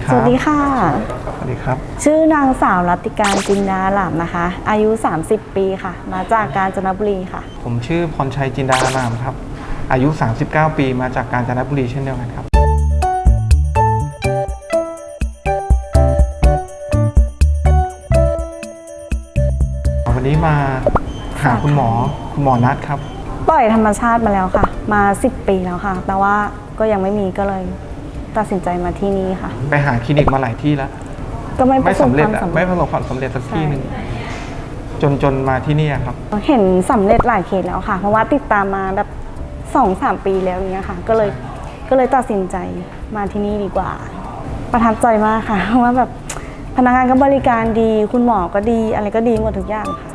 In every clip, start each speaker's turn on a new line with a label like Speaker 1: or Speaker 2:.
Speaker 1: สวัสดีค่ะ
Speaker 2: สวัสดีครับ
Speaker 1: ชื่อนางสาวรัตติการจินดาหลามนะคะ อายุ 30 ปีค่ะ มาจากกาญจนบุรีค่ะ
Speaker 2: ผมชื่อพรชัยจินดาหลามครับอายุ 39 ปีมาจากกาญจนบุรีเช่นเดียวกันครับวันนี้มาหาคุณหมอนัดครับ
Speaker 1: ปล่อยธรรมชาติมาแล้วค่ะ มา 10 ปีแล้วค่ะ แต่ว่าก็ยังไม่มีก็เลยตัดสินใจมาที่นี่ค่ะ
Speaker 2: ไปหาคลินิกมาหลายที่แล้ว
Speaker 1: ก็ไม่สำเร็จ
Speaker 2: ไม่ประสบความสำเร็จสักที่หนึ่งจนมาที่นี่ครับ
Speaker 1: เห็นสำเร็จหลายเคสแล้วค่ะ เพราะว่าติดตามมาแบบ 2-3 ปีแล้วเนี้ยค่ะก็เลยตัดสินใจมาที่นี่ดีกว่าประทับใจมากค่ะเพราะว่าแบบพนักงานก็บริการดีคุณหมอก็ดีอะไรก็ดีหมดทุกอย่างค่ะ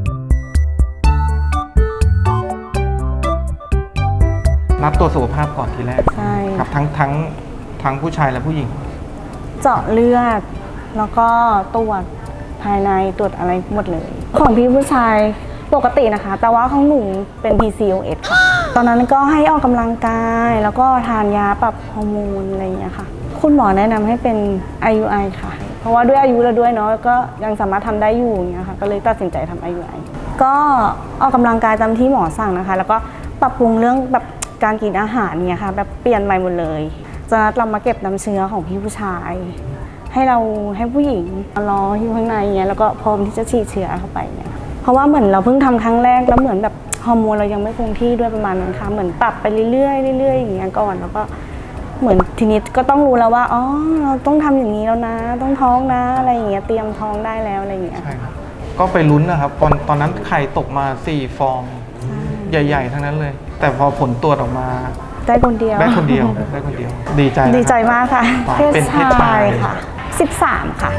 Speaker 2: นัดตรวจสุขภาพก่อนทีแรก
Speaker 1: ใช่
Speaker 2: ครับทั้งผู้ชายและผู้หญิง
Speaker 1: เจาะเลือดแล้วก็ตรวจภายในตรวจอะไรหมดเลยของพี่ผู้ชายปกตินะคะแต่ว่าของหนูเป็น PCOS ค่ะตอนนั้นก็ให้ออกกำลังกายแล้วก็ทานยาปรับฮอร์โมนอะไรอย่างเงี้ยค่ะคุณหมอแนะนำให้เป็น IUI ค่ะเพราะว่าด้วยอายุแล้วด้วยเนาะก็ยังสามารถทำได้อยู่อย่างเงี้ยค่ะก็เลยตัดสินใจทำ IUI ก็ออกกำลังกายตามที่หมอสั่งนะคะแล้วก็ปรับปรุงเรื่องแบบการกินอาหารเนี่ยค่ะแบบเปลี่ยนใหม่หมดเลยจะนัดเรามาเก็บน้ำเชื้อของพี่ผู้ชายให้ผู้หญิงรออยู่ข้างในเนี่ยแล้วก็พร้อมที่จะฉีดเชื้อเข้าไปเนี่ยเพราะว่าเหมือนเราเพิ่งทำครั้งแรกแล้วเหมือนแบบฮอร์โมนเรายังไม่คงที่ด้วยประมาณนั้นค่ะเหมือนปรับไปเรื่อยๆเรื่อยๆอย่างเงี้ยก่อนแล้วก็เหมือนทีนี้ก็ต้องรู้แล้วว่าอ๋อเราต้องทำอย่างนี้แล้วนะต้องท้องนะอะไรอย่างเงี้ยเตรียมท้องได้แล้วอะไรอย่างเงี้ย
Speaker 2: ใช่ครับก็ไปลุ้นนะครับตอนนั้นไข่ตกมา4 ฟองใหญ่ๆทั้งนั้นเลยแต่พอผลตรวจออกมา
Speaker 1: ได้คนเดียวดีใจมากค่ะเพศชายค่ะ13ค่ะ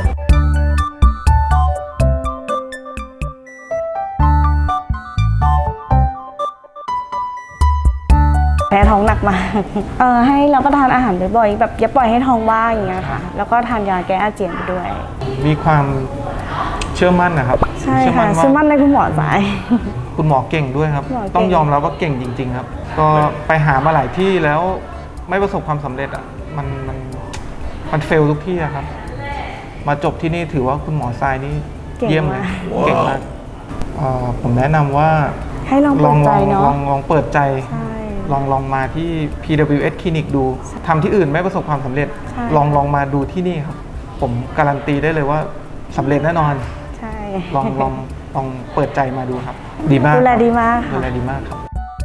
Speaker 1: แพ้ท้องหนักมากให้เราก็ทานอาหารบ่อยๆแบบอย่าปล่อยให้ท้องว่างอย่างเงี้ยค่ะแล้วก็ทานยาแก้อาเจียนด้วย
Speaker 2: มีความเชื่อมั่นนะครับ
Speaker 1: ใช่ค่ะเชื่อมั่นในคุณหมอสาย
Speaker 2: คุณหมอเก่งด้วยครับต้องยอมรับว่าเก่งจริงๆครับก็ไปหามาหลายที่แล้วไม่ประสบความสำเร็จอ่ะมันเฟลทุกที่ครับมาจบที่นี่ถือว่าคุณหมอทรายนี่เยี่ยมเลยเก่งมากผมแนะนำว่า
Speaker 1: ให้ลองเปิดใจเนาะ
Speaker 2: ลองเปิดใจลองมาที่ PWS คลินิกดูทำที่อื่นไม่ประสบความสำเร็จลองมาดูที่นี่ครับผมการันตีได้เลยว่าสำเร็จแน่นอน
Speaker 1: ใช่
Speaker 2: ลองเปิดใจมาดูครับดีมาก
Speaker 1: ดูแลดีมาก
Speaker 2: ครับ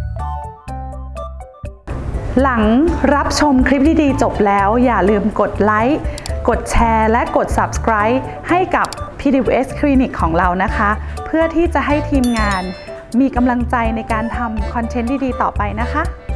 Speaker 3: หลังรับชมคลิปดีๆจบแล้วอย่าลืมกดไลค์กดแชร์และกด Subscribe ให้กับ PWS คลินิกของเรานะคะเพื่อที่จะให้ทีมงานมีกำลังใจในการทำคอนเทนต์ดีๆต่อไปนะคะ